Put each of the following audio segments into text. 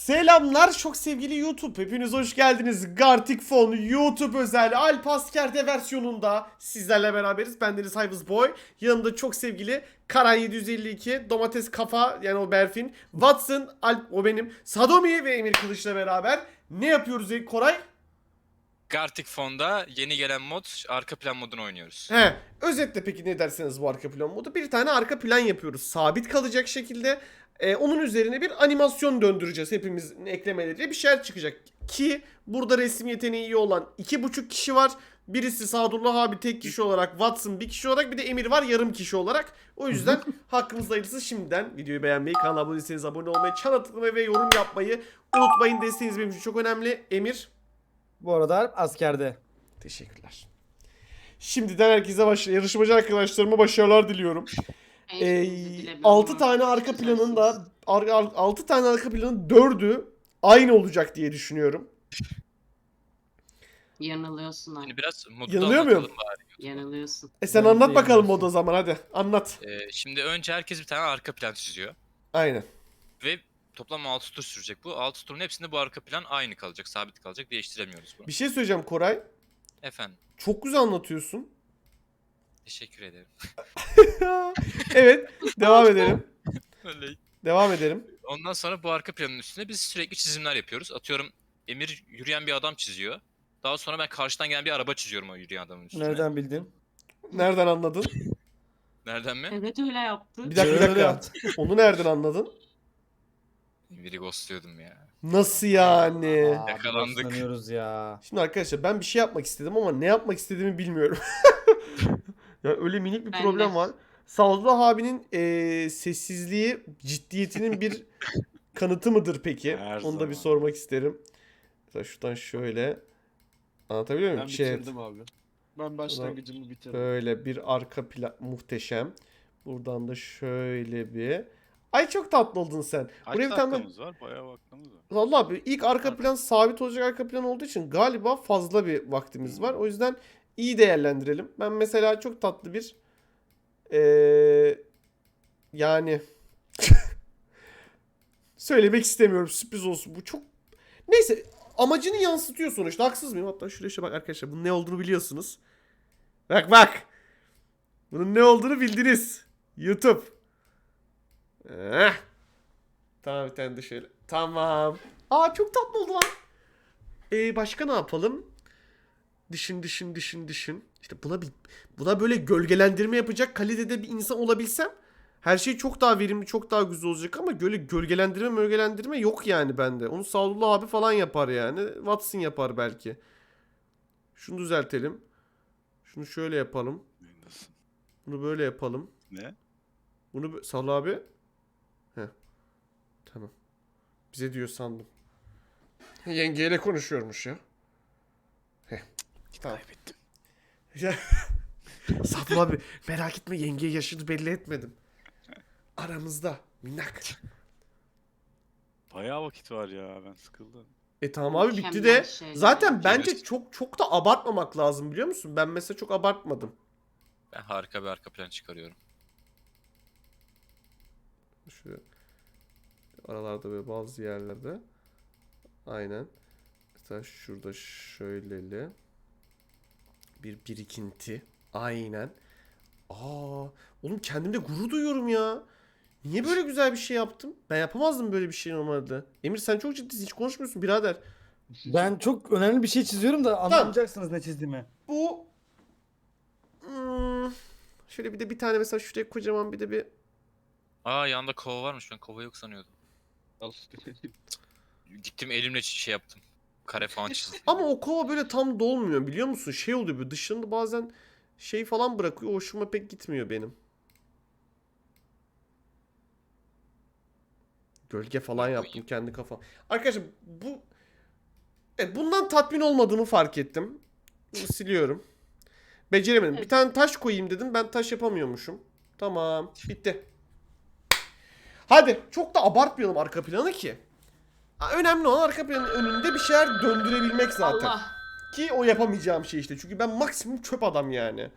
Selamlar çok sevgili YouTube. Hepiniz hoş geldiniz. Gartic Phone YouTube özel Alp Asker'de versiyonunda sizlerle beraberiz. Bendeniz Hayvız Boy. Yanımda çok sevgili Karan 752, Domates Kafa yani o Berfin, Watson, Alp o benim, Sadomi ve Emir Kılıç'la beraber ne yapıyoruz Koray? Gartic Phone'da yeni gelen mod arka plan modunu oynuyoruz. Özetle peki ne derseniz bu arka plan modu. Bir tane arka plan yapıyoruz. Sabit kalacak şekilde. Onun üzerine bir animasyon döndüreceğiz. Hepimizin eklemeleriyle bir şeyler çıkacak. Ki burada resim yeteneği iyi olan 2,5 kişi var. Birisi Sadullah abi tek kişi olarak, Watson bir kişi olarak, bir de Emir var yarım kişi olarak. O yüzden hakkınızda hayırlısı. Şimdiden videoyu beğenmeyi, kanala abone değilseniz abone olmayı, çana tıklamayı ve yorum yapmayı unutmayın. Desteğiniz benim için çok önemli. Emir. Bu arada askerde. Teşekkürler. Şimdiden herkese yarışmacı arkadaşlarıma başarılar diliyorum. 6 tane arka planın da 6 tane arka planın 4'ü aynı olacak diye düşünüyorum. Yanılıyorsun abi. Şimdi biraz modu Yanılıyor muyum? anlatalım bari. Yanılıyorsun. Sen Ben anlat de bakalım yanılıyorsun. modu o zaman hadi. Anlat. Şimdi önce herkes bir tane arka plan çiziyor. Aynen. Ve toplam 6 tur sürecek bu. 6 turun hepsinde bu arka plan aynı kalacak, sabit kalacak. Değiştiremiyoruz bunu. Bir şey söyleyeceğim Koray. Efendim, Çok güzel anlatıyorsun. teşekkür ederim. Evet. Devam edelim. Öyle. Devam edelim. Ondan sonra bu arka planın üstüne biz sürekli çizimler yapıyoruz. Atıyorum Emir yürüyen bir adam çiziyor. Daha sonra ben karşıdan gelen bir araba çiziyorum o yürüyen adamın üstüne. Nereden bildin? Nereden anladın? Nereden mi? Evet öyle yaptı. Bir dakika bir Öyle dakika. yaptı. Onu nereden anladın? Emir'i ghostluyordum ya. Nasıl yani? Yakalandık. Sanıyoruz ya. Şimdi arkadaşlar ben bir şey yapmak istedim ama ne yapmak istediğimi bilmiyorum. Ya öyle minik bir Ben problem de. var. Sadullah abinin sessizliği ciddiyetinin bir kanıtı mıdır peki? Her Onu da bir zaman. sormak isterim. Mesela şuradan şöyle anlatabiliyor muyum? Ben Chat. bitirdim abi. Ben başlangıcımı bitirdim. Böyle bir arka plan muhteşem. Buradan da şöyle bir. Ay çok tatlı oldun sen. Kaç Buraya bir tane dakikamız var? Bayağı vaktimiz var. Vallahi abi ilk arka plan sabit olacak arka plan olduğu için galiba fazla bir vaktimiz var. O yüzden iyi değerlendirelim. Ben mesela çok tatlı bir yani söylemek istemiyorum, sürpriz olsun. Bu çok neyse amacını yansıtıyor sonuçta. Haksız mıyım? Hatta şuraya bak arkadaşlar. Bunun ne olduğunu biliyorsunuz. Bak bak. Bunun ne olduğunu bildiniz. YouTube. Eh. Tamam bir tane de şöyle. Tamam. Aa çok tatlı oldu lan. Başka ne yapalım? Düşün. İşte buna böyle gölgelendirme yapacak kalitede bir insan olabilsem her şey çok daha verimli, çok daha güzel olacak ama böyle gölgelendirme yok yani bende. Onu Sadullah abi falan yapar yani. Watson yapar belki. Şunu düzeltelim. Şunu şöyle yapalım. Nasıl? Bunu böyle yapalım. Ne? Bunu Sadullah abi. Heh. Tamam. Bize diyor sandım. Yengeyle konuşuyormuş ya. Heh. Tamam. Kaybettim. Sadullah abi merak etme yengeye yaşını belli etmedim. Aramızda minnak. Bayağı vakit var ya, ben sıkıldım. Tamam abi bitti Mükemmel de. şeyler Zaten bence yapıyoruz. çok da abartmamak lazım biliyor musun? Ben mesela çok abartmadım. Ben harika bir arka plan çıkarıyorum. Şu aralarda böyle bazı yerlerde. Aynen. Mesela şurada şöyleli. Bir birikinti. Aynen. Oğlum kendimde gurur duyuyorum ya. Niye böyle güzel bir şey yaptım? Ben yapamazdım böyle bir şey normalde. Emir sen çok ciddisin hiç konuşmuyorsun birader. Ben çok önemli bir şey çiziyorum da anlamayacaksınız ne çizdiğimi. Bu şöyle bir de bir tane mesela şuraya kocaman bir de bir Yanında kova varmış, ben kova yok sanıyordum. Gittim elimle şey yaptım. Kare falan çizdim. ama o kova böyle tam dolmuyor biliyor musun? Şey oluyor böyle dışında bazen şey falan bırakıyor. Hoşuma pek gitmiyor benim. Gölge falan yaptım kendi kafam. Arkadaşlar bundan tatmin olmadığımı fark ettim. Bunu siliyorum. Beceremedim. Bir Evet. tane taş koyayım dedim. Ben taş yapamıyormuşum. Tamam. Bitti. Hadi. Çok da abartmayalım arka planı ki. Önemli olan arka planın önünde bir şeyler döndürebilmek zaten. Allah. Ki o yapamayacağım şey işte. Çünkü ben maksimum çöp adam yani.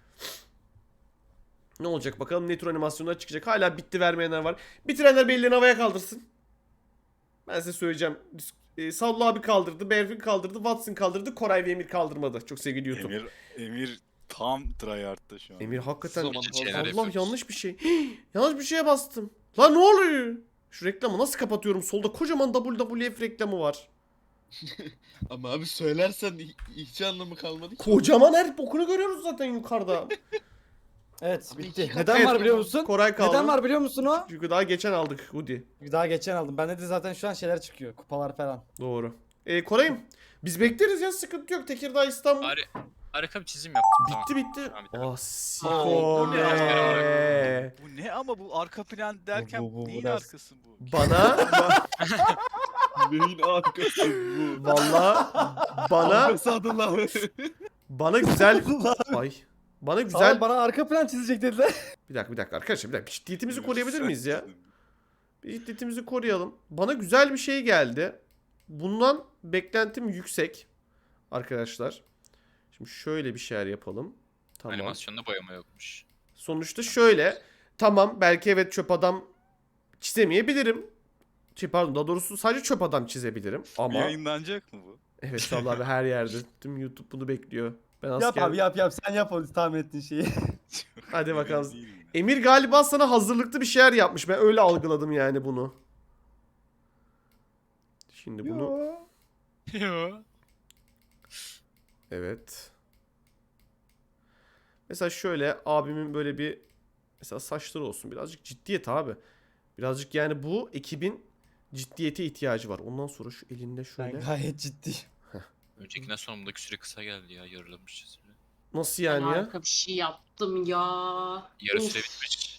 Ne olacak bakalım ne tür animasyonlar çıkacak. Hala bitti vermeyenler var. Bitirenler bellerini havaya kaldırsın. Ben size söyleyeceğim. Sallu abi kaldırdı, Berfin kaldırdı, Watson kaldırdı, Koray ve Emir kaldırmadı. Çok sevgili YouTube. Emir tam tryhard'da şu an. Emir hakikaten Zaman şeyler Allah yapıyoruz. yanlış bir şey. Yanlış bir şeye bastım. Lan ne oluyor? Şu reklamı nasıl kapatıyorum? Solda kocaman WWF reklamı var. Ama abi söylersen hiç anlamı kalmadı ki. Kocaman her bokunu görüyoruz zaten yukarıda. Evet Abi bitti. iki Neden Evet, var biliyor musun? Koray kaldı. Neden var biliyor musun o? Çünkü daha geçen aldık Hoodie. Daha geçen aldım. Bende de zaten şu an şeyler çıkıyor. Kupalar falan. Doğru. Koray'ım biz bekleriz ya, sıkıntı yok. Tekirdağ, İstanbul. Harika bir çizim yaptım. Tamam. Bitti. Tamam, bitti. Ah Aa, siko bu ne? be. Bu ne ama bu arka plan derken Bu neyin ders. arkası bu? Bana Neyin arkası bu? valla bana Arkası adı lan. bana güzel ay bana Güzel. güzel Bana arka plan çizecek dediler. bir dakika arkadaşlar, bir dakika ciddiyetimizi Emir, koruyabilir sen miyiz ya? çizdin. Bir ciddiyetimizi koruyalım. Bana güzel bir şey geldi. Bundan beklentim yüksek arkadaşlar. Şimdi şöyle bir şeyler yapalım. Tamam. Animasyonda boyama yokmuş. Sonuçta şöyle. Tamam, belki evet çöp adam çizemeyebilirim. Pardon, daha doğrusu sadece çöp adam çizebilirim. Ama Yayınlanacak mı bu? evet Sallı abi her yerde. Tüm YouTube bunu bekliyor. Ben Yap asker... abi yap. Sen yap onu tahmin ettiğin şeyi. Hadi Emin bakalım. değilim ya. Emir galiba sana hazırlıklı bir şeyler yapmış. Ben öyle algıladım yani bunu. Şimdi bunu... Yo. Evet. Mesela şöyle abimin böyle bir mesela saçları olsun. Birazcık ciddiyet abi. Birazcık yani bu ekibin ciddiyete ihtiyacı var. Ondan sonra şu elinde Ben şöyle. gayet ciddi. Öncekinden sonra bundaki süre kısa geldi ya. Yarılamış süre. Nasıl Ben yani ya? harika bir şey yaptım ya. Yarı Of. süre bitmiş.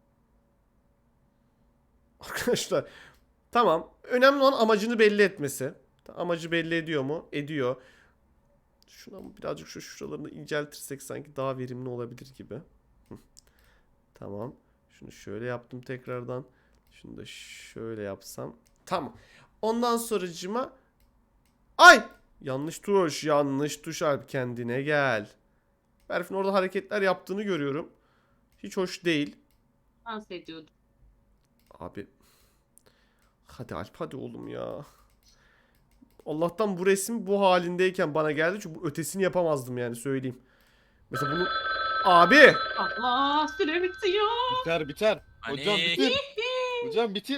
Arkadaşlar tamam. Önemli olan amacını belli etmesi. Amacı belli ediyor mu? Ediyor. Şuna birazcık şu şuralarını inceltirsek sanki daha verimli olabilir gibi. Hı. Tamam. Şunu şöyle yaptım tekrardan. Şunu da şöyle yapsam. Tamam. Ondan sonracıma ay! Yanlış tuş Alp, kendine gel. Berfin orada hareketler yaptığını görüyorum. Hiç hoş değil. Dans ediyordum. Abi. Hadi Alp, hadi oğlum ya. Allah'tan bu resim bu halindeyken bana geldi. Çünkü bu ötesini yapamazdım yani, söyleyeyim. Mesela bunu... Abi! Allah süre bitiyor. Biter. Hocam Hani- bitir. Hocam bitir.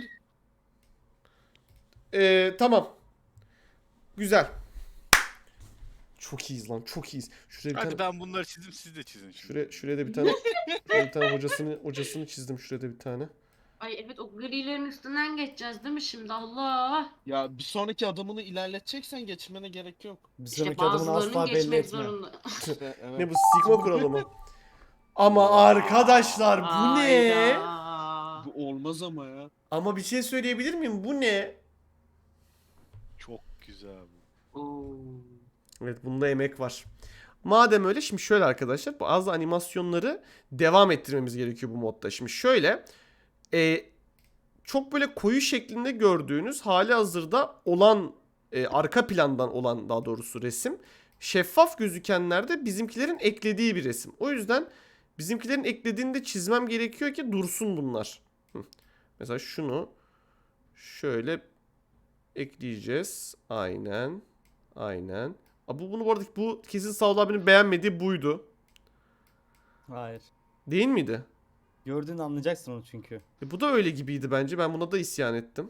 Tamam. Güzel. Çok iyiyiz lan, çok iyiyiz. Şuraya bir Hadi tane... ben bunları çizdim, siz de çizin şimdi. Şuraya da bir tane... şuraya bir tane hocasını çizdim şuraya da bir tane. Ay evet, o grilerin üstünden geçeceğiz değil mi şimdi? Allah. Ya bir sonraki adımını ilerleteceksen geçmene gerek yok. Bir İşte sonraki adımını bazılarının asla belli geçmek etme. zorunda. İşte, evet. Ne bu, sigma kuralı mı? Ama arkadaşlar bu ne? Hayda. Bu olmaz ama ya. Ama bir şey söyleyebilir miyim? Bu ne? Çok güzel bu. Oo. Evet, bunda emek var. Madem öyle, şimdi şöyle arkadaşlar, bazı animasyonları devam ettirmemiz gerekiyor bu modda. Şimdi şöyle çok böyle koyu şeklinde gördüğünüz hali hazırda olan arka plandan olan daha doğrusu resim, şeffaf gözükenlerde bizimkilerin eklediği bir resim. O yüzden bizimkilerin eklediğini de çizmem gerekiyor ki dursun bunlar. Mesela şunu şöyle ekleyeceğiz. Aynen. Aynen. Bunu bu arada bu kesin Sağol abinin beğenmediği buydu. Hayır. Değil miydi? Gördüğünde anlayacaksın onu çünkü. Bu da öyle gibiydi bence. Ben buna da isyan ettim.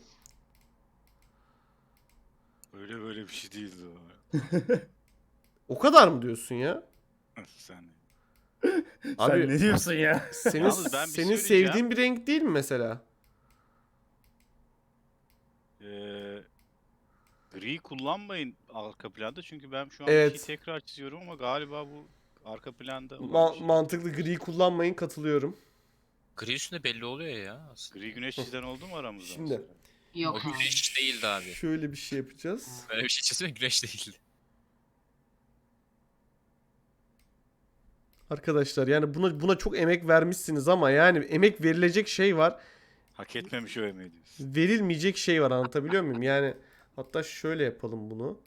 Öyle böyle bir şey değildi o. O kadar mı diyorsun ya? Sen. Abi Sen ne diyorsun ya? senin Yalnız ben bir senin söyleyeceğim. sevdiğin bir renk değil mi mesela? Gri kullanmayın arka planda çünkü ben şu an Evet. bir şey tekrar çiziyorum ama galiba bu arka planda olan bir şey. Mantıklı, gri kullanmayın, katılıyorum. Gri üstünde belli oluyor ya aslında. Gri güneş çizen oldu mu aramızda? Şimdi. mesela? Yok O abi. güneş değildi abi. Şöyle bir şey yapacağız. Böyle bir şey çizme, güneş değildi. Arkadaşlar yani buna çok emek vermişsiniz ama yani emek verilecek şey var. Hak etmemiş o emeği diyorsun. Verilmeyecek şey var, anlatabiliyor muyum? Yani hatta şöyle yapalım bunu.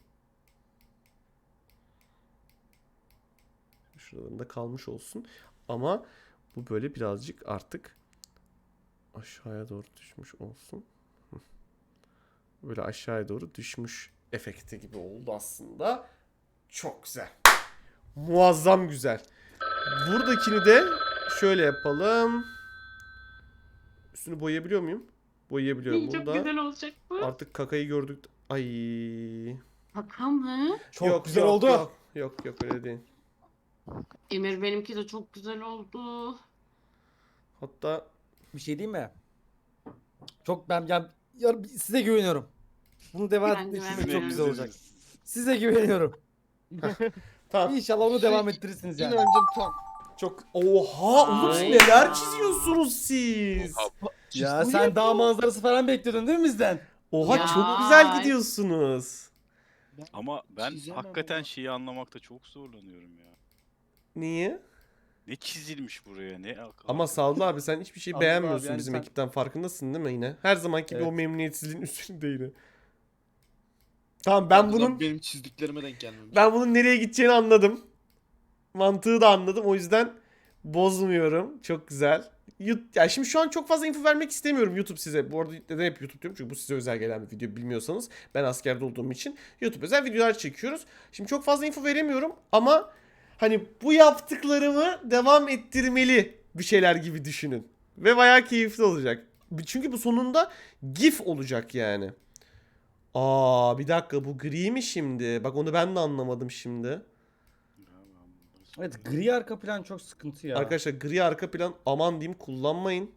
Şuralarında kalmış olsun. Ama bu böyle birazcık artık aşağıya doğru düşmüş olsun. böyle aşağıya doğru düşmüş efekti gibi oldu aslında. Çok güzel. Muazzam güzel. Buradakini de şöyle yapalım. Üstünü boyayabiliyor muyum? Boyayabiliyorum. Çok Bunda güzel olacak bu. artık kakayı gördük. Ay. Kaka mı? Çok güzel oldu. Yok öyle değil. Emir benimki de çok güzel oldu. Hatta Bir şey diyeyim mi? Çok ben ya size güveniyorum. Bunu devam Ben etmek güvenmiyorum. çok güzel olacak. Size güveniyorum. tamam. İnşallah onu devam ettirirsiniz yani. İnancım tam. Çok oha Umut Ay. neler çiziyorsunuz siz? Ya sen dağ manzarası falan bekliyordun değil mi bizden? Oha Ya. çok güzel gidiyorsunuz. Ama ben Çizemem hakikaten ama. şeyi anlamakta çok zorlanıyorum ya. Niye? Ne çizilmiş buraya ne akıl. Ama Sallı abi sen hiçbir şey Sallı beğenmiyorsun abi, yani bizim sen- ekipten farkındasın değil mi yine? Her zamanki gibi Evet. o memnuniyetsizliğin üstünde yine. Tamam ben bunun benim çizdiklerime denk gelmemiş. nereye gideceğini anladım. Mantığı da anladım. O yüzden bozmuyorum. Çok güzel. Ya şimdi şu an çok fazla info vermek istemiyorum YouTube size. Bu arada neden hep YouTube diyorum? Çünkü bu size özel gelen bir video bilmiyorsanız. Ben askerde olduğum için YouTube özel videolar çekiyoruz. Şimdi çok fazla info veremiyorum ama hani bu yaptıklarımı devam ettirmeli bir şeyler gibi düşünün. Ve bayağı keyifli olacak. Çünkü bu sonunda GIF olacak yani. Aa bir dakika bu gri mi şimdi? Bak onu ben de anlamadım şimdi. Evet, gri arka plan çok sıkıntı ya. Arkadaşlar gri arka plan aman diyeyim kullanmayın.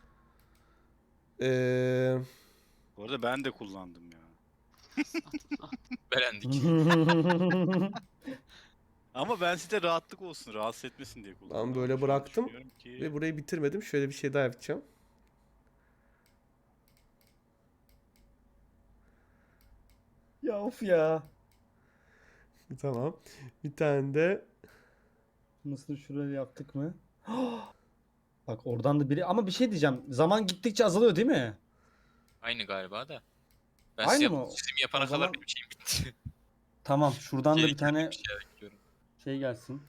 Bu arada ben de kullandım ya. Beğendik. Ama ben size rahatlık olsun, rahatsız etmesin diye kullandım. Ben böyle Şu an bıraktım düşünüyorum ki- ve burayı bitirmedim. Şöyle bir şey daha yapacağım. Ya of ya. Tamam. Bir tane de Nasıl şuraya yaptık mı? Bak oradan da biri ama bir şey diyeceğim. Zaman gittikçe azalıyor değil mi? Aynı galiba da. Ben Aynı size mı? çizimi yapana O kadar zaman- benim şeyim bitti. Tamam şuradan da bir tane Bir şeyler bekliyorum. şey gelsin.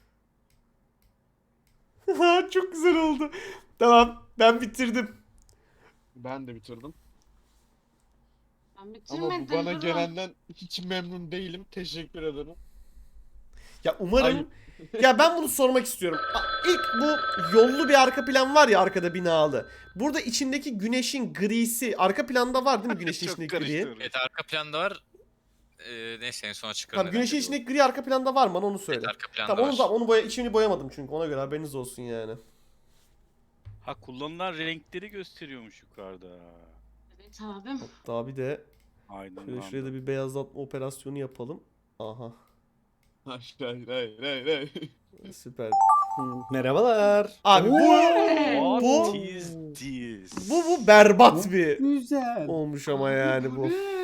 çok güzel oldu. Tamam ben bitirdim. Ben de bitirdim. Ben Ama bitirmedim. bu bana durun. gelenden hiç memnun değilim. Teşekkür ederim. Ya umarım ya ben bunu sormak istiyorum. İlk bu yollu bir arka plan var ya arkada binalı. Burada içindeki güneşin grisi arka planda var değil mi güneşin Çok içindeki gri? karıştırdım. Evet arka planda var. Neyse en sona çıkarım. Tamam güneşin içindeki gri arka planda var mı? Bana onu söyle. Evet arka planda Tamam var. onu da onu içini boyamadım çünkü ona göre haberiniz olsun yani. Ha kullanılan renkleri gösteriyormuş yukarıda. Evet abim. Daha bir de Aydınlandı. şöyle şuraya da bir beyazlatma operasyonu yapalım. Aha Hayır hayır hayır hayır. süper. Merhabalar. Abi What bu is this? bu berbat bir Güzel. olmuş ama yani bu. ne?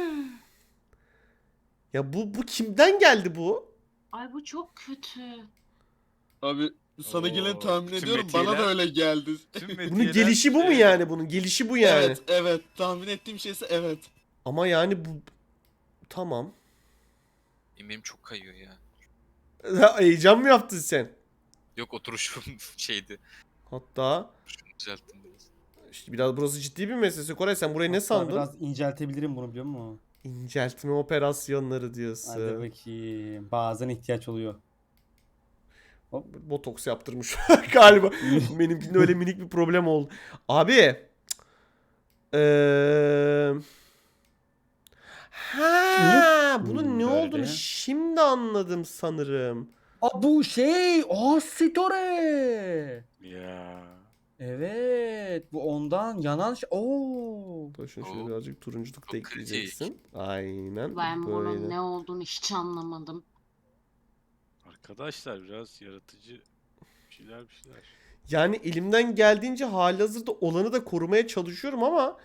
Ya bu kimden geldi bu? Ay bu çok kötü. Abi sana gelen Oo, tahmin tüm ediyorum. Bana metiyeler- da öyle geldi. Tüm Bunun metiyeler gelişi bu mu şey- yani? Bunun gelişi bu yani. Evet evet. Tahmin ettiğim şeyse evet. Ama yani bu tamam. Benim çok kayıyor ya. Heyecan mı yaptın sen? Yok oturuşum şeydi. Hatta Şunu düzelttim biraz. işte biraz burası ciddi bir meselesi. Koray sen burayı ne Hatta sandın? Biraz inceltebilirim bunu biliyor musun? İnceltme operasyonları Hadi diyorsun. bakayım. Bazen ihtiyaç oluyor. Botoks yaptırmış galiba. Benimkinde öyle minik bir problem oldu. Abi. Ha, bunun ne Böyle. olduğunu şimdi anladım sanırım. Aa bu şey. Aa Sitore. Ya. Evet. Bu ondan yanan şey. Oo. Dur şunu şöyle Oo. birazcık turunculuk da Çok kritik. ekleyeceksin. Aynen. Ben bunun böyle. ne olduğunu hiç anlamadım. Arkadaşlar biraz yaratıcı bir şeyler. Yani elimden geldiğince halihazırda olanı da korumaya çalışıyorum ama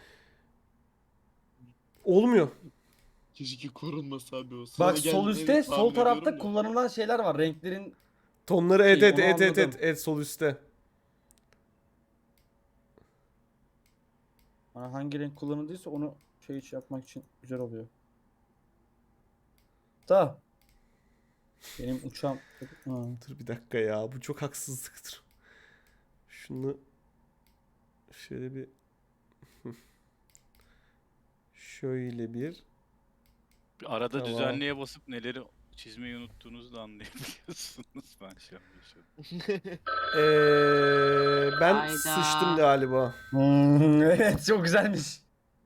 olmuyor. Keşke korunmasa abi o. Sana Bak sol geldiğini üstte tahmin sol tarafta ediyorum ya. kullanılan şeyler var. Renklerin Tonları evet İyi, evet onu evet evet, anladım. evet sol üstte. hangi renk kullanıldıysa onu yapmak için güzel oluyor. Da benim uçağım. Ha. Dur bir dakika ya bu çok haksızlıktır. Şunu şöyle bir şöyle bir Arada Tamam. düzenliğe basıp neleri çizmeyi unuttuğunuzu da anlayabiliyorsunuz. Ben şey yapmışım. Ben Hayda. sıçtım galiba. Evet çok güzelmiş.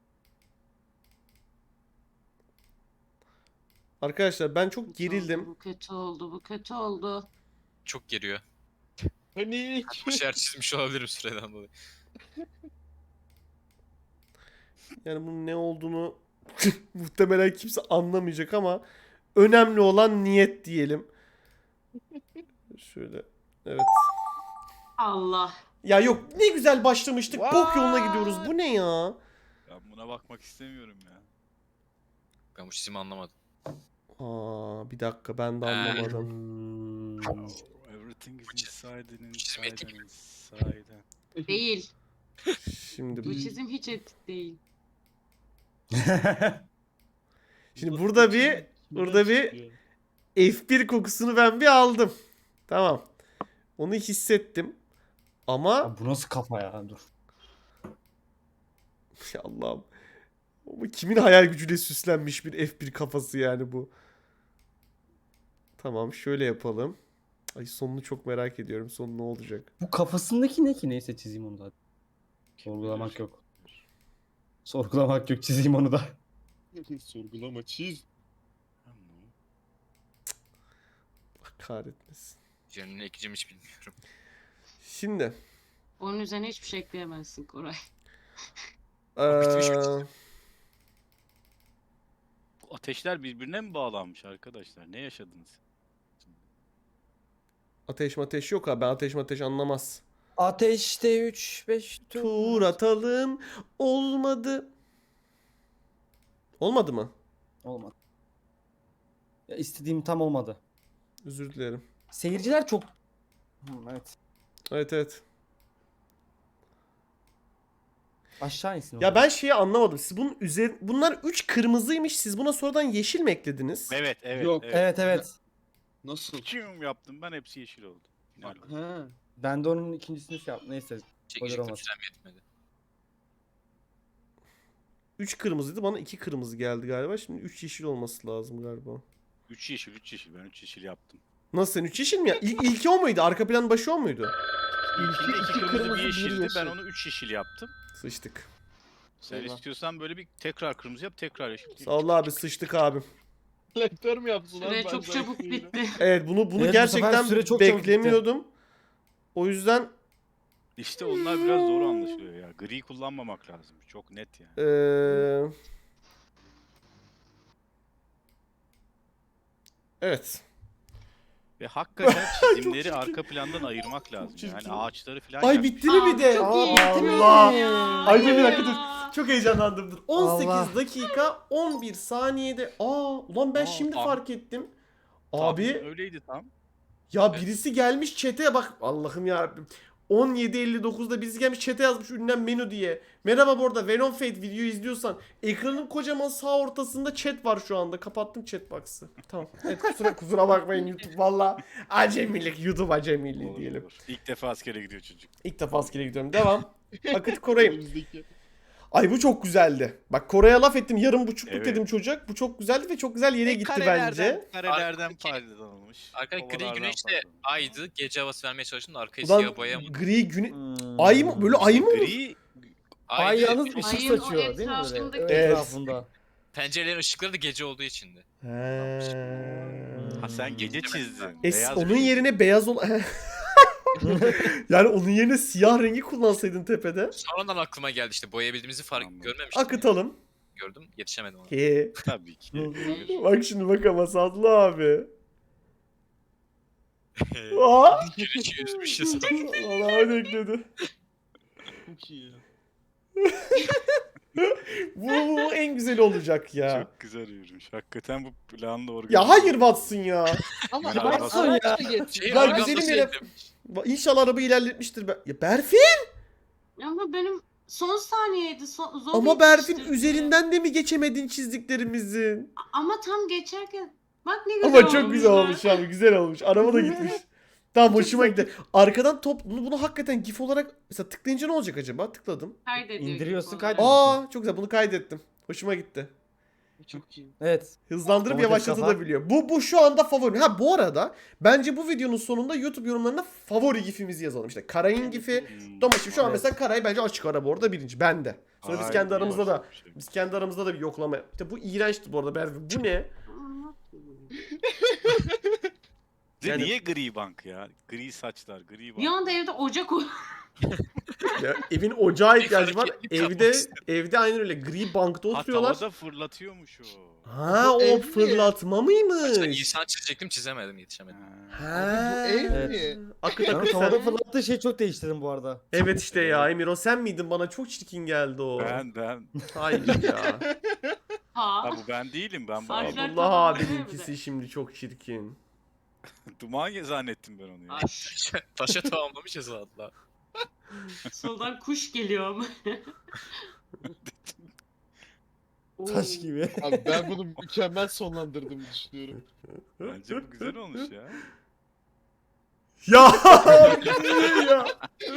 Arkadaşlar ben çok gerildim. Bu kötü oldu, bu kötü oldu. Çok geriyor. Panik. Bir şeyler çizmiş olabilirim süreden dolayı. Yani bunun ne olduğunu muhtemelen kimse anlamayacak ama önemli olan niyet diyelim. Şöyle. Evet. Allah. Ya yok ne güzel başlamıştık. Bok yoluna gidiyoruz. Bu ne ya? Ben buna bakmak istemiyorum ya. Ben bu çizimi anlamadım. Aa bir dakika ben de anlamadım. Everything is Bu çizim- inside and bu çizim inside etik and mi? inside. Değil. Şimdi Bu çizim hiç etik değil. Şimdi burada bir F1 kokusunu ben bir aldım. Tamam. Onu hissettim. Ama Ya bu nasıl kafa ya? Dur. ya Allah'ım. Bu kimin hayal gücüyle süslenmiş bir F1 kafası yani bu. Tamam şöyle yapalım. Ay sonunu çok merak ediyorum. Sonu ne olacak? Bu kafasındaki ne ki? Neyse çizeyim onu da. Sorgulamak yok. Sorgulamak yok, çizeyim onu da. Sorgulama çiz. Allah kahretmesin. Üzerine ne ekleyeceğimi hiç bilmiyorum. Şimdi. Onun üzerine hiçbir şey ekleyemezsin Koray. bitmiş mi eee, Bu ateşler birbirine mi bağlanmış arkadaşlar? Ne yaşadınız? ateş yok abi. Ben ateş anlamaz. Ateşte 3-5 Tur atalım. Olmadı. Olmadı mı? Olmadı. Ya istediğim tam olmadı. Özür dilerim. Seyirciler çok... evet. Evet. Aşağı insin. Ya orada. ben şeyi anlamadım. Siz bunun bunlar 3 kırmızıymış. Siz buna sonradan yeşil mi eklediniz? Evet, evet, Yok, evet. Evet. Nasıl? Çiğim yaptım ben, hepsi yeşil oldu. Final oldu. Ha. Ben de onun ikincisini şey yaptım. Neyse. Çekecektim olmaz. sürem yetmedi. 3 kırmızıydı. Bana 2 kırmızı geldi galiba. Şimdi 3 yeşil olması lazım galiba. 3 yeşil, 3 yeşil. Ben 3 yeşil yaptım. Nasıl sen 3 yeşil mi ya? İlki o muydu? Arka plan başı o muydu? İlkinde 2 kırmızı, kırmızı, bir bir yeşildi. yeşil. Ben onu 3 yeşil yaptım. Sıçtık. Sen Eyvah. istiyorsan böyle bir tekrar kırmızı yap, tekrar yeşil. Sağ ol abi sıçtık abim. Selektör mü yaptın lan? Süre Ben çok sana çabuk söyleyeyim. bitti. Evet bunu Evet, bu sefer gerçekten süre çok çabuk bitti. beklemiyordum. O yüzden İşte onlar biraz zor anlaşılıyor ya. Gri kullanmamak lazım. Çok net yani. Evet. Ve hakikaten çizimleri çirkin. arka plandan ayırmak lazım. çirkin. Yani ağaçları falan Ay yapmış. bitti mi bir de? Çok iyi. Allah. Ya. Ay bir dakika Ya. dur. Çok heyecanlandım. Dur. 18 Allah. dakika 11 saniyede. Ulan ben Aa, şimdi tam- fark ettim. Tam Abi öyleydi tam. ya birisi gelmiş chat'e bak. Allah'ım yarabbim. 17.59'da birisi gelmiş chat'e yazmış ünlem menü diye. Merhaba bu arada Venom Fate videoyu izliyorsan ekranın kocaman sağ ortasında chat var şu anda. Kapattım chat box'ı. Tamam. Evet kusura bakmayın YouTube valla. Acemilik YouTube acemiliği Olur, diyelim. olur. İlk defa askere gidiyor çocuk. İlk defa askere gidiyorum. Devam. Akıt Koray'ım. Önümüzdeki. Ay bu çok güzeldi. Bak Koray'a laf ettim. Yarım buçukluk Evet. dedim çocuk. Bu çok güzeldi ve çok güzel yere gitti bence. Karelerden Arkadaki- faydalanılmış. Arkadaki gri ovalardan güneş de faydalanılmış. aydı. Gece havası vermeye çalıştım da arkayı Ulan siyah boyayamadım. gri güne... Hmm. Ay mı? Böyle ay mı olur? Gri Ay Aydı. yalnız ışık Ayın o saçıyor değil mi etrafındaki- böyle? Evet. Etrafında. Pencerelerin ışıkları da gece olduğu içindi. Ha sen gece çizdin. Onun bir şey. yerine beyaz ol... Yani onun yerine siyah rengi kullansaydın tepede. Sonradan aklıma geldi işte boyayabildiğimizi fark Anladım. görmemiştim. Akıtalım. Gördüm yetişemedim ona. He. Tabii ki. Bak şimdi bak ama Sadlı abi. Aa! Güneşi üzmüşüz. Valla öyle ekledi. Çok iyi ya. Bu en güzeli olacak ya. Çok güzel yürümüş. Hakikaten bu planla organize. Ya hayır Watson ya. Ama Ben araç arabası- da getir. Şey, Ya arabam güzelim nasıl yere- yedim? İnşallah araba ilerletmiştir. Ya Berfin Ama benim son saniyeydi. Zor ama Berfin yetiştirdim. üzerinden de mi geçemedin çizdiklerimizin? Ama tam geçerken bak ne güzel Ama çok güzel ya. olmuş abi. Güzel olmuş. Araba da gitmiş. Tamam hoşuma gitti. Arkadan top bunu hakikaten gif olarak mesela tıklayınca ne olacak acaba? Tıkladım. Kaydediyor İndiriyorsun, gibi kaydediyorsun. olarak. Çok güzel bunu kaydettim. Hoşuma gitti. Çok iyi. Evet. Hızlandırıp Domates yavaşlatabiliyor. Bu şu anda favori. Ha bu arada bence bu videonun sonunda YouTube yorumlarına favori gifimizi yazalım. İşte Karay'ın gifi. Domates şu an Evet. mesela Karay bence açık ara bu arada birinci. Bende. Sonra biz Hayır, kendi aramızda da bir şey. biz kendi aramızda da bir yoklama. İşte bu iğrençti bu arada Berfi. Bu ne? Bir de Yani- niye gri bank ya? Gri saçlar, gri Bir bank. anda evde ocak o. Ya, evin ocağa ihtiyacı var. hareketli Evde kapmak istedim. evde aynen öyle gri bankta Ha oturuyorlar. tavada fırlatıyormuş o. Ha Bu o ev mi? fırlatma Ben mıymış? insan çizecektim çizemedim yetişemedim. Ha. Ha. Abi bu ev Evet. mi? Akıt Ben akıt tavada sen. fırlattığı şeyi çok değiştirdim bu arada. Evet işte ya Emir o sen miydin? Bana çok çirkin geldi o. Ben. Hayır ya. Ha. Ha bu ben değilim ben bu Harfler- adam. Abdullah tamam, abininkisi evet. şimdi çok çirkin. Duman zannettim ben onu ya. Ay, Taşa tamamlamışız valla. soldan kuş geliyor ama. Oo. Taş gibi. Abi ben bunu mükemmel sonlandırdığımı düşünüyorum. Bence bu güzel olmuş ya. Ya! ya.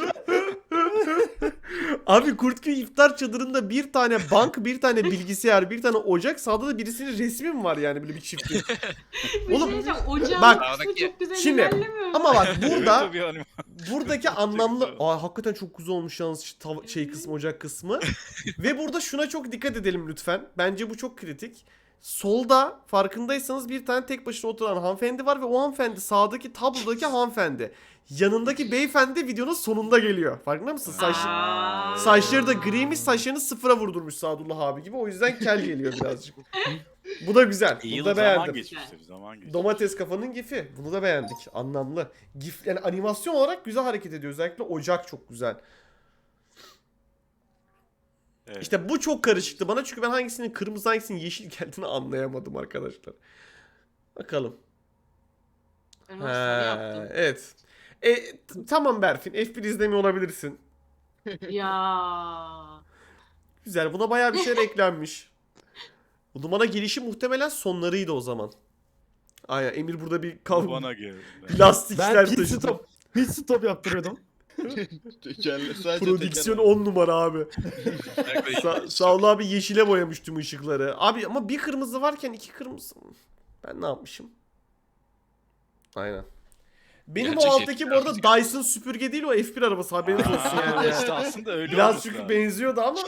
Abi Kurtköy iftar çadırında bir tane bank, bir tane bilgisayar, bir tane ocak, sağda da birisinin resmi mi var yani böyle bir çiftin? Bir Oğlum, şey diyeceğim, ocağın bak, kısmı çok güzel şimdi, ilerlemiyor. Ama bak Evet, burada tabii hani- buradaki Çok anlamlı güzel. hakikaten çok güzel olmuş yalnız şey kısmı ocak kısmı. Ve burada şuna çok dikkat edelim lütfen. Bence bu çok kritik. Solda farkındaysanız bir tane tek başına oturan hanımefendi var ve o hanımefendi sağdaki tablodaki hanımefendi. Yanındaki beyefendi videonun sonunda geliyor. Farkında mısın? Aa. Saçları da griymiş, saçlarını sıfıra vurdurmuş Sadullah abi gibi. O yüzden kel geliyor birazcık. Bu da güzel. Bunu Yıl da zaman beğendim. geçmiş tabii zaman geçmiş. Domates kafanın gifi. Bunu da beğendik. Anlamlı. Gif yani animasyon olarak güzel hareket ediyor. Özellikle ocak çok güzel. Evet. İşte bu çok karışıktı bana çünkü ben hangisinin kırmızı hangisinin yeşil geldiğini anlayamadım arkadaşlar. Bakalım. Ben o sarı Ha, yaptım. evet. Tamam Berfin. F1 izlemiyor olabilirsin. Ya. Güzel. Buna bayağı bir şeyler eklenmiş. Bu numara gelişi muhtemelen sonlarıydı o zaman. Aynen. Emir burada bir Bu kavga. bana geldi. Lastikler Ben pit taşıdı. stop. Pit stop yaptırıyordum. Tekerle, sadece Prodüksiyon teker. 10 numara abi. Sağol abi yeşile boyamış tüm ışıkları. Abi ama bir kırmızı varken iki kırmızı. Ben ne yapmışım? Aynen. Benim Gerçek o alttaki yeşil bu arada Dyson süpürge değil o F1 arabası haberiniz olsun yani. İşte aslında öyle Biraz olması çünkü lazım. benziyordu ama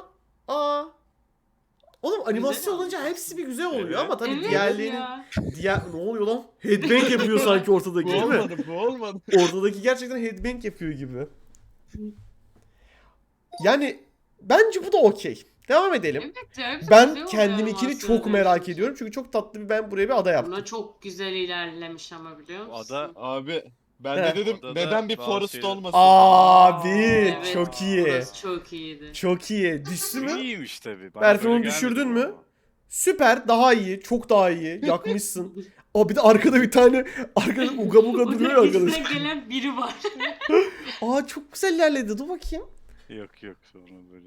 Oğlum animasyon Güzel olunca olmuş. hepsi bir güzel oluyor Evet. ama tabii Evet diğerlerinin ya. ne oluyor lan? Headbang yapıyor sanki ortadaki Bu değil mi? olmadı, bu olmadı. Ortadaki gerçekten headbang yapıyor gibi. Yani bence bu da okey. Devam edelim. Evet ya, hepsi güzel Ben oluyor kendiminkini animasyona çok merak dönüşünce. ediyorum. Çünkü çok tatlı bir ben buraya bir ada yaptım. Buna çok güzel ilerlemiş ama biliyor Bu musun? ada Abi ben He. de dedim Odada neden bir bazı Forest şeyler- olmasın? Abi Evet, çok iyi. Burası çok iyiydi. Çok iyi. Düştü mü? İyiymiş tabii. Bana Berfin, böyle onu gelmedi düşürdün bu mü? ama. Süper. Daha iyi. Çok daha iyi. Yakmışsın. Aa bir de arkada bir tane arkada uga buga duruyor ya Onun arkadaş. üstüne gelen biri var. Aa çok güzel ilerledi. Dur bakayım. Yok sonra böyle.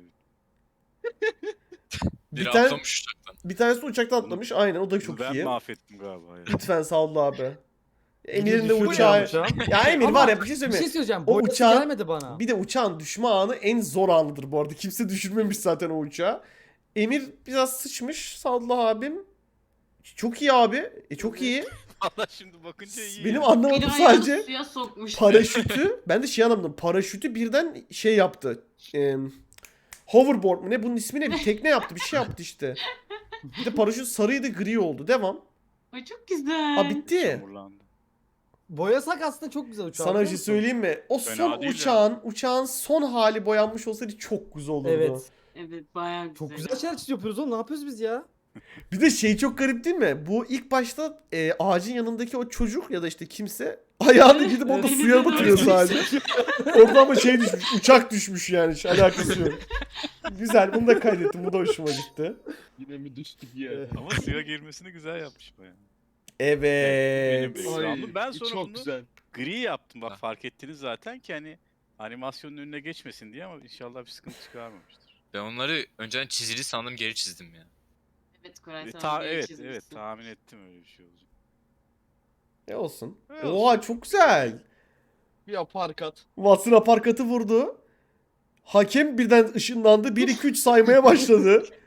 Biri Bir tane- atlamış uçaktan. Bir tanesi uçaktan atlamış. Aynen o da çok ben iyi. mahvettim galiba ya. Lütfen sağ abi. Emir'in de Düşüyor uçağı. ya uçağım. Ya Emir Ama var ya bir şey Bir söyleyeyim şey mi? söyleyeceğim. O Boyası uçağın- gelmedi bana. Bir de uçağın düşme anı en zor anıdır bu arada. Kimse düşürmemiş zaten o uçağı. Emir biraz sıçmış. Sadullah abim. Çok iyi abi. Çok iyi. Valla şimdi bakınca iyi. Benim ya. anlamadığım Biri ayağını sadece suya sokmuş. paraşütü. Ben de şey anlamadım. Paraşütü birden şey yaptı. Hoverboard mu ne? Bunun ismi ne? Bir tekne yaptı. Bir şey yaptı işte. Bir de paraşüt sarıydı gri oldu. Devam. Ay çok güzel. Aa bitti. Çamurlandı. Boyasak aslında çok güzel uçağı. Sana bir biliyor şey musun? söyleyeyim mi? O Fena son değil uçağın son hali boyanmış olsaydı çok güzel olurdu. Evet. Evet bayağı güzel. Çok güzel şeyler yapıyoruz oğlum. Ne yapıyoruz biz ya? Bir de şey çok garip değil mi? Bu ilk başta ağacın yanındaki o çocuk ya da işte kimse ayağını gidip orada Evet. suya batırıyor sadece. Orada ama şey düşmüş, uçak düşmüş yani hiç alakası yok. Güzel, bunu da kaydettim. Bu da hoşuma gitti. Yine mi düştük ya? Ama suya girmesini güzel yapmış bayağı. Evet. Benim- Ay, Ben sonra çok bunu- güzel. Gri yaptım Ha. bak fark ettiniz zaten ki hani animasyonun önüne geçmesin diye ama inşallah bir sıkıntı çıkarmamıştır. Ben onları önceden çizili sandım geri çizdim ya. Evet Koray sen Ta bir evet çizmişsin. evet tahmin ettim öyle bir şey olacak. Ne olsun? Ne Oha çok güzel. Bir aparkat. Watson aparkatı vurdu. Hakem birden ışınlandı. 1-2-3 saymaya başladı.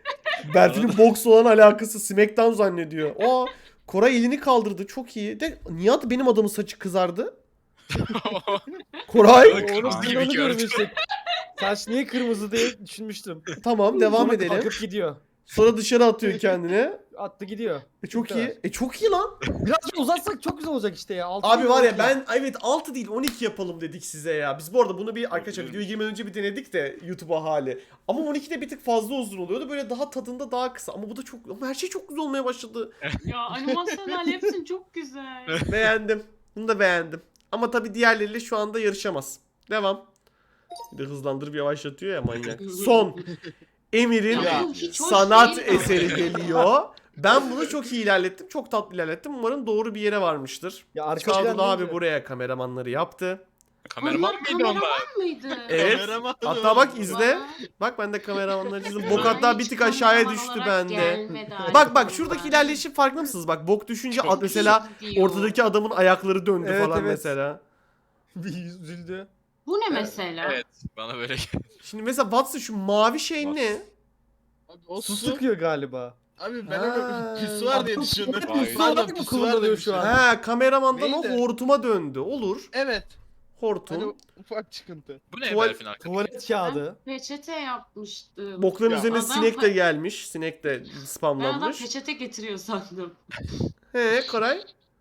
Berfin'in boks olan alakası SmackDown zannediyor. Aa, Koray elini kaldırdı. Çok iyi. De niye adı benim adamın saçı kızardı? Koray. Kırmızı Onu gibi onu gördüm. görmüştük. Saç niye kırmızı diye düşünmüştüm. Tamam, devam Sonra edelim. kalkıp gidiyor. Sonra dışarı atıyor kendini. Attı gidiyor. Çok Bu kadar. iyi. Çok iyi lan. Birazcık uzatsak çok güzel olacak işte ya. Altı Abi gibi var ya olacak. ben evet 6 değil 12 yapalım dedik size ya. Biz bu arada bunu bir arkadaşlar videoya girmeden önce bir denedik de YouTube'a hali. Ama 12'de bir tık fazla uzun oluyordu. Böyle daha tadında daha kısa. Ama bu da çok ama her şey çok güzel olmaya başladı. Ya animasyonlar hepsi çok güzel. Beğendim. Bunu da beğendim. Ama tabii diğerleriyle şu anda yarışamaz. Devam. Bir de hızlandırıp yavaşlatıyor ya manyak. Son. Emir'in Ya bu hiç hoş sanat değil ama. eseri geliyor. Ben bunu çok iyi ilerlettim. Çok tatlı ilerlettim. Umarım doğru bir yere varmıştır. Ya arka plan Sadullah abi deyince- buraya kameramanları yaptı. Kameraman Bunlar mıydı onlar? kameraman mıydı? Evet. Kameraman Hatta bak mı? izle. Bana- Bak ben de kameramanları çizdim. bana Bok hatta bir hiç tık aşağıya kameraman düştü olarak bende. gelmedi Bak aklımda. şuradaki ilerleyişi farkında mısınız? Bak bok düşünce Çok mesela gidiyor. ortadaki adamın ayakları döndü Evet, falan evet. mesela. Bir üzüldü. Bu ne mesela? Evet. Bana böyle Şimdi mesela Watson şu mavi şey ne? Abi o Su su. sıkıyor galiba. Abi ben Ha. onu pisuar diye düşündüm. Vay. Su olarak mı kullanılıyor şu an? Ha, kameramandan o Neydi? hortuma döndü. Olur. Evet. Hortum. Hani ufak çıkıntı. bu ne Tuval- Berfin arkadaş? Tuvalet kağıdı. Peçete yapmıştım. Bokların Ya üzerine adam- sinek de gelmiş. Sinek de Ben adam spamlanmış. peçete getiriyor sandım. He Koray.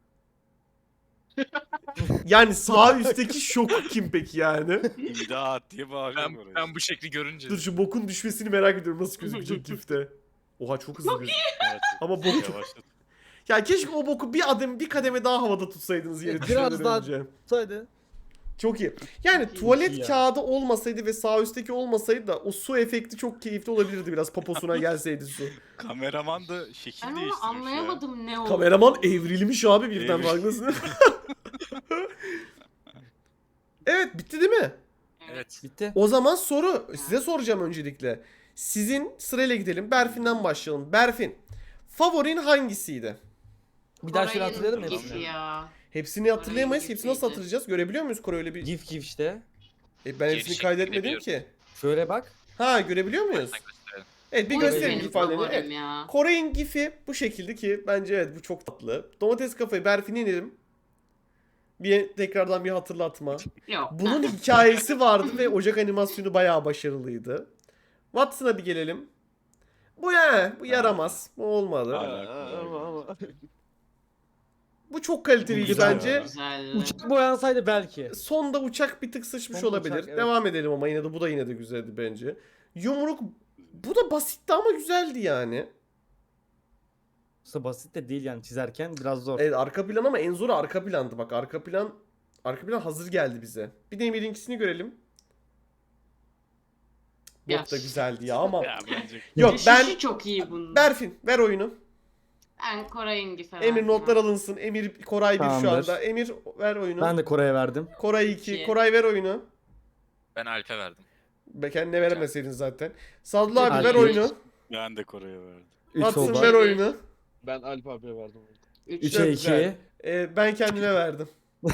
Yani sağ üstteki şok kim peki yani? İmdat diye bağırıyorum Ben, oraya. ben bu şekli görünce. Dur şu bokun düşmesini merak ediyorum nasıl gözükecek gifte. Oha çok hızlı gözüküyor. Evet, Ama bok çok... yavaşladı. Ya keşke o boku bir kademe daha havada tutsaydınız yere Biraz düşmeden daha- önce. Saydı. Çok iyi. Yani tuvalet ya. kağıdı olmasaydı ve sağ üstteki olmasaydı da o su efekti çok keyifli olabilirdi biraz poposuna gelseydi su. Kameraman da şekil Ben onu değiştirmiş anlayamadım ne oldu. Kameraman evrilmiş abi birden Evrilmiş. farkındasın. Evet bitti değil mi? Evet. Bitti. O zaman soru size soracağım öncelikle. Sizin sırayla gidelim. Berfin'den başlayalım. Berfin, favorin hangisiydi? Bir daha şöyle Koray'ın hatırlayalım mı gifi hepsini? ya. Hepsini hatırlayamayız. Koray'ın Hepsini nasıl gifiydi. hatırlayacağız? Görebiliyor muyuz Koray öyle bir? Gif işte. Ben hepsini Gevşek kaydetmedim görebiliyorum. ki. Şöyle bak. Ha görebiliyor muyuz? Sen gösterelim. Evet bir Bu gösterelim benim gif ifadelerini. favorim Evet. ya. Koray'ın gifi bu şekilde ki bence evet bu çok tatlı. Domates kafayı Berfin'e inelim. Tekrardan bir hatırlatma. Yok. Bunun hikayesi vardı ve Ocak animasyonu bayağı başarılıydı. Watson'a bir gelelim. Bu bu yaramaz. Bu olmadı. Hala. Ama. Bu çok kaliteliydi Güzel bence. ya. Güzel. Uçak boyansaydı belki. Sonda uçak bir tık sıçmış Sonda olabilir. uçak, evet. Devam edelim ama yine de bu da yine de güzeldi bence. Yumruk bu da basitti ama güzeldi yani. Aslında basit de değil yani çizerken biraz zor. Evet arka plan ama en zoru arka plandı bak. Arka plan hazır geldi bize. Bir de Emir'inkisini görelim. Ya. Bok da güzeldi ya ama. Ya bence Yok Düşüşü ben çok iyi bunun. Berfin ver oyunu. Ben Koray'ın gifi Emir verdim notlar ha. alınsın. Emir Koray 1 şu Tamamdır. anda. Emir ver oyunu. Ben de Koray'a verdim. Koray 2. İki. Koray ver oyunu. Ben Alp'e verdim. Be kendine veremeseydin zaten. Sadullah abi Alp ver üç. oyunu. ben de Kore'ye verdim. 3 Watston oldu. ver oyunu. Ben Alp abiye verdim. 3. 3'e güzel. 2. Ben kendime verdim.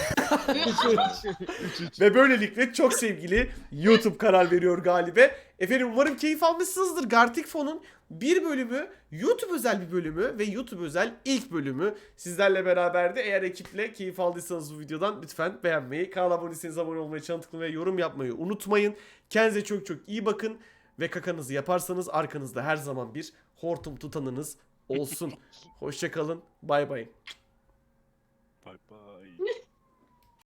Ve böylelikle çok sevgili YouTube karar veriyor galibe. Efendim umarım keyif almışsınızdır. Gartic Fon'un bir bölümü, YouTube özel bir bölümü ve YouTube özel ilk bölümü sizlerle beraberdi. Eğer ekiple keyif aldıysanız bu videodan lütfen beğenmeyi, kanala abone değilseniz abone olmayı, çanı tıklamayı ve yorum yapmayı unutmayın. Kendinize çok çok iyi bakın ve kakanızı yaparsanız arkanızda her zaman bir hortum tutanınız olsun. Hoşça kalın. Bay bay. Bye bye.